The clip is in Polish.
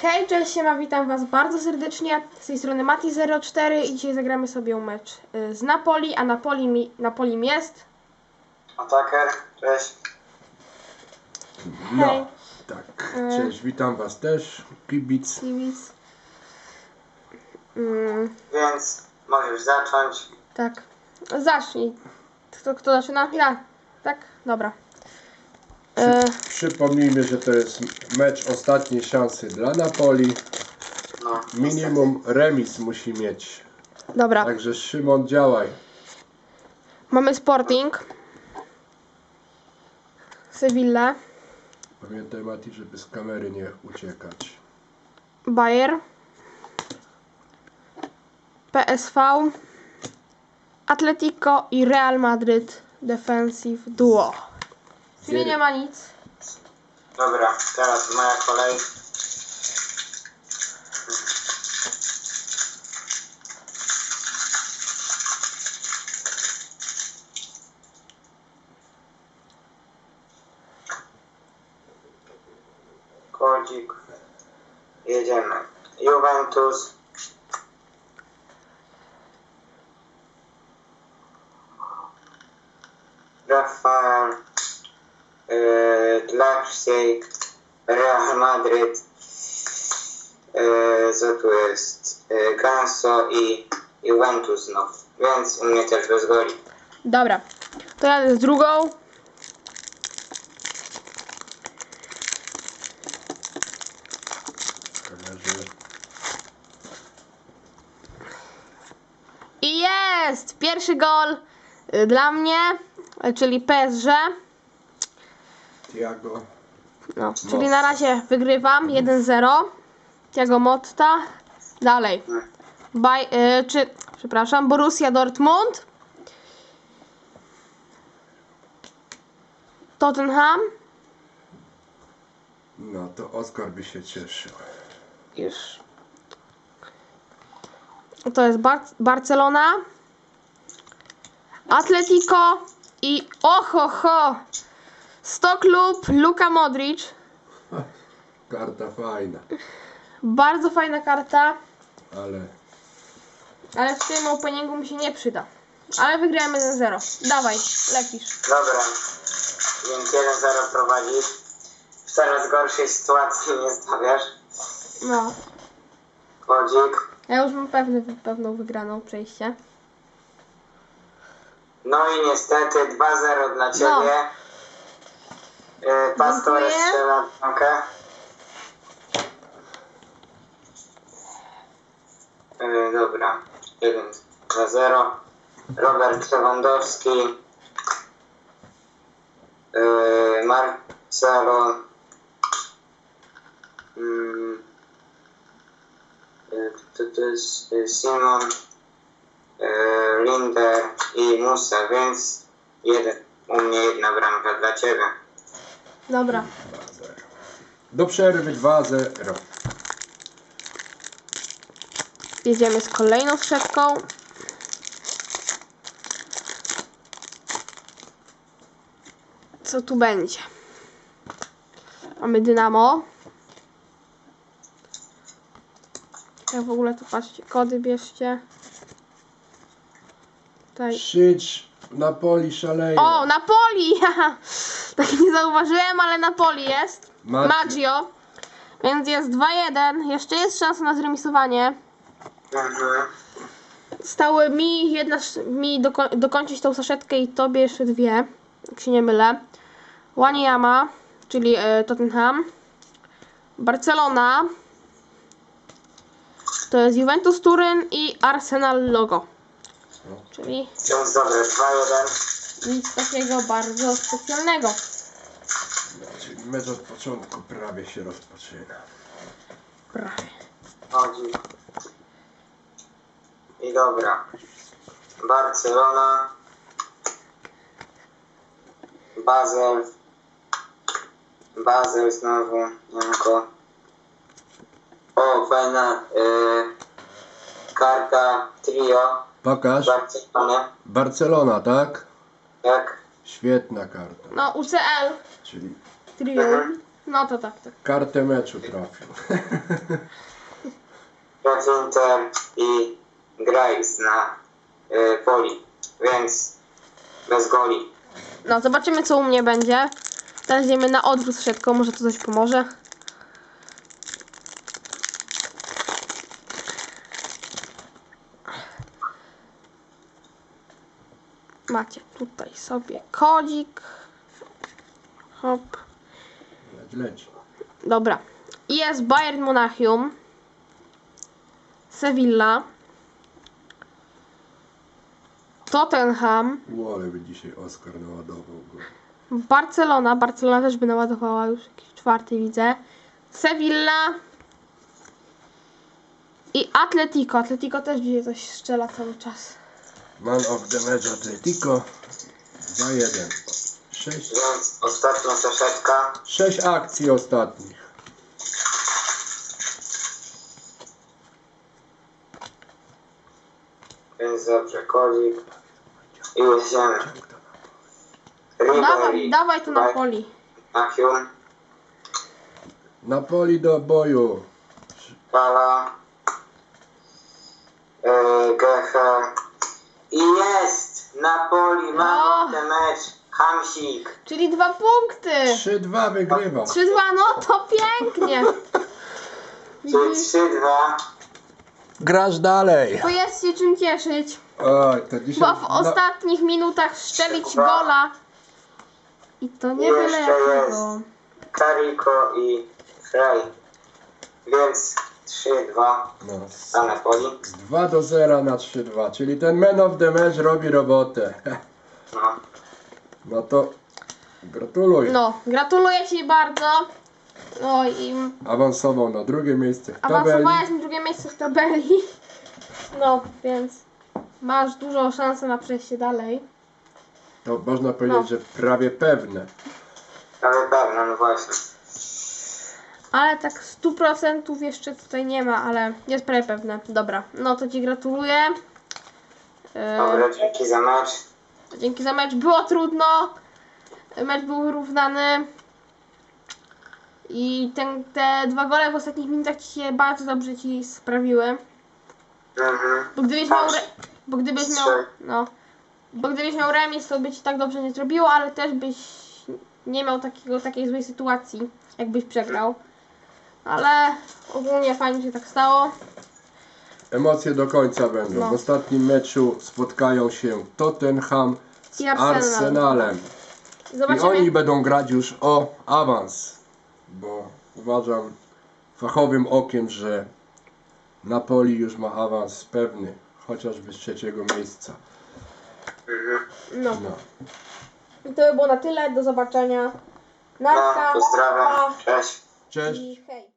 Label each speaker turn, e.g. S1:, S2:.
S1: Hej, cześć, siema, witam was bardzo serdecznie. Z tej strony Mati04 i dzisiaj zagramy sobie mecz z Napoli, a Napolim jest...
S2: Attacker, cześć.
S3: No,
S1: Hej.
S3: tak, cześć, witam was też, kibic.
S2: Więc możesz zacząć.
S1: Tak, zacznij. Kto zaczyna? Ja. Tak? Dobra.
S3: Przypomnijmy, że to jest mecz ostatniej szansy dla Napoli.
S2: No,
S3: Minimum remis musi mieć.
S1: Dobra,
S3: Także Szymon, działaj.
S1: mamy Sporting. Sevilla.
S3: Pamiętaj, Mati, żeby z kamery nie uciekać.
S1: Bayer. PSV. Atletico i Real Madrid Defensive Duo. Czyli nie ma nic.
S2: Dobra, teraz moja kolej. Kodzik. Jedziemy. Juventus. Rafael. Leipzig, Real Madrid, co tu jest, Ganso i Juventus znów, więc u mnie też bez goli.
S1: Dobra, to jadę z drugą.
S3: Kamerze.
S1: I jest! Pierwszy gol dla mnie, czyli PSG.
S3: Thiago.
S1: No, czyli na razie wygrywam 1-0. Thiago Motta. Dalej. Borussia Dortmund. Tottenham.
S3: No to Oskar by się cieszył.
S1: Już. To jest Barcelona. Atletico i ohoho! 100 klub Luka Modric.
S3: Karta fajna,
S1: Bardzo fajna karta,
S3: ale
S1: w tym openingu mi się nie przyda. Ale wygrałem 1-0. Dawaj, lecisz.
S2: Dobra, więc 1-0 prowadzisz. W coraz gorszej sytuacji nie stawiasz.
S1: No.
S2: Kodzik.
S1: Ja już mam pewną wygraną przejście.
S2: No i niestety 2-0 dla Ciebie. Pastore
S1: Dziękuję.
S2: strzela bramkę. Dobra, 1-2-0. Robert Lewandowski. Marcelo. To jest Simon. Linder i Musa, więc u mnie jedna bramka dla Ciebie.
S1: Dobra.
S3: 2-0. Do przerwy 2-0.
S1: Jedziemy z kolejną strzepką. Co tu będzie? Mamy Dynamo. Jak w ogóle to patrzcie, kody bierzcie. Tutaj.
S3: Krzycz, Napoli szaleje.
S1: O, Napoli! Haha. Tak nie zauważyłem, ale Napoli jest. Maggio. Więc jest 2-1. Jeszcze jest szansa na zremisowanie. Stały mi dokończyć tą saszetkę i tobie jeszcze dwie, jak się nie mylę. Wanyama, czyli Tottenham. Barcelona. To jest Juventus Turyn i Arsenal logo. Czyli
S2: Więc dobre, 2-1.
S1: nic takiego bardzo specjalnego.
S3: Czyli mecz od początku prawie się rozpoczyna.
S1: Prawie.
S2: Chodzi. I dobra. Barcelona. Basel znowu. Janko. O, fajna karta trio.
S3: Pokaż.
S2: Barcelona.
S3: Barcelona, tak?
S2: Jak?
S3: Świetna karta.
S1: No, UCL.
S3: Czyli
S1: Trium. No to tak.
S3: Kartę meczu trafił.
S2: Inter i Graves na poli, więc bez goli.
S1: No, zobaczymy co u mnie będzie. Teraz idziemy na odwrót z siatką, może to coś pomoże. Macie tutaj sobie kodzik. Hop.
S3: Leć.
S1: Dobra. I jest Bayern Monachium. Sevilla. Tottenham.
S3: Ale by dzisiaj Oskar naładował go.
S1: Barcelona. Barcelona też by naładowała już jakiś czwarty widzę. Sevilla. I Atletico. Atletico też dzisiaj coś strzela cały czas.
S3: Man of the match Atletico 2-1. 6
S2: Więc ostatnia saszetka.
S3: akcji ostatnich.
S2: Więc dobrze, kodzik. I jedziemy.
S1: Dawaj tu na poli.
S2: Monachium,
S3: Napoli do boju.
S2: Pala, Geche. I jest! Napoli, man of the match, Hamsik.
S1: Czyli 2 punkty.
S3: 3-2 wygrywa.
S1: 3-2, no to pięknie.
S2: Czyli 3-2.
S3: Grasz dalej.
S1: To jest się czym cieszyć.
S3: Oj, to dzisiaj...
S1: Bo w ostatnich minutach strzelić gola. I to nie byle
S2: Jeszcze
S1: jakiego.
S2: Kariko i Frey. Więc 3-2
S3: No,
S2: na Napoli.
S3: z 2-0 na 3-2, czyli ten man of the match robi robotę.
S2: No.
S3: No to gratuluj.
S1: No, gratuluję Ci bardzo. No i
S3: Awansował na drugie miejsce w tabeli.
S1: awansowałeś na drugie miejsce w tabeli. No, więc masz dużo szansy na przejście dalej.
S3: To można powiedzieć,
S1: No.
S3: że prawie pewne.
S2: Ale pewno, no właśnie.
S1: Ale tak 100% jeszcze tutaj nie ma, ale jest prawie pewne. Dobra, no to Ci gratuluję.
S2: Dobra, dzięki za mecz.
S1: Dzięki za mecz. Było trudno. Mecz był wyrównany. I te 2 gole w ostatnich minutach Ci się bardzo dobrze Ci sprawiły.
S2: Mhm.
S1: Bo gdybyś miał, bo gdybyś miał remis, to by Ci tak dobrze nie zrobiło, ale też byś nie miał takiej złej sytuacji, jakbyś przegrał. Ale ogólnie fajnie się tak stało.
S3: Emocje do końca będą.
S1: No.
S3: W ostatnim meczu spotkają się Tottenham z
S1: I Arsenal.
S3: Arsenalem. I
S1: Zobaczymy.
S3: oni będą grać już o awans. Bo uważam fachowym okiem, że Napoli już ma awans pewny. Chociażby z 3. miejsca.
S1: No.
S3: No.
S1: I to by było na tyle. Do zobaczenia. Narka.
S2: No, pozdrawiam.
S1: Pa.
S2: Cześć.
S3: Cześć.
S1: I hej.